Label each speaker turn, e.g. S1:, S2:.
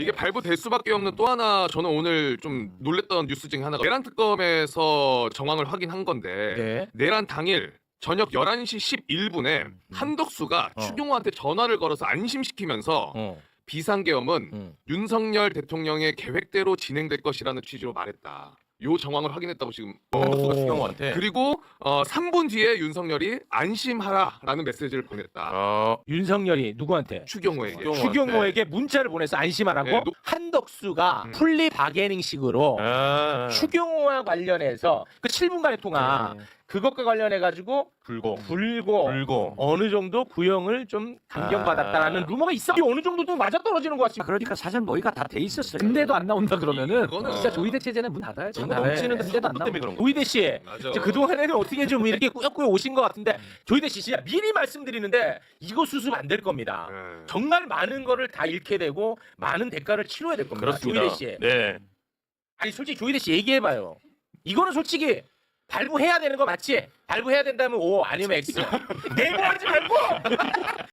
S1: 이게 발부될 수밖에 없는 또 하나 저는 오늘 좀 놀랬던 뉴스 중에 하나가 내란 특검에서 정황을 확인한 건데
S2: 네.
S1: 내란 당일 저녁 11시 11분에 한덕수가 추경호한테 전화를 걸어서 안심시키면서 비상계엄은 윤석열 대통령의 계획대로 진행될 것이라는 취지로 말했다. 요 정황을 확인했다고 지금 한덕수가 추경호한테. 그리고 3분 뒤에 윤석열이 안심하라라는 메시지를 보냈다.
S2: 윤석열이 누구한테?
S1: 추경호에게.
S2: 추경호에게 문자를 보내서 안심하라고.
S1: 네,
S2: 한덕수가 플리 바게닝식으로 추경호와 관련해서 그 7분간의 통화 그것과 관련해 가지고 불고 어느 정도 구형을 좀 감경받았다라는 루머가 있어. 이게 어느 정도 좀 맞아떨어지는 것 같습니다.
S3: 그러니까 사실 모의가 다 돼 있었어요. 근데도 안 나온다 그러면은
S1: 그거는
S3: 진짜 조이대 체제는 문 닫아야죠.
S2: 넘치는
S3: 근데도 안 나온다.
S2: 조이대 씨,
S1: 맞아.
S2: 이제 그동안에는 어떻게 좀 이렇게 꾸역꾸역 오신 것 같은데 조이대 씨 진짜 미리 말씀드리는데 이거 수습 안 될 겁니다.
S1: 네.
S2: 정말 많은 거를 다 잃게 되고 많은 대가를 치러야 될 겁니다. 조이대 씨.
S4: 네.
S2: 아니 솔직히 조이대 씨 얘기해봐요. 이거는 솔직히 발부해야 되는 거 맞지? 발부해야 된다면 O 아니면 X. 내부하지 말고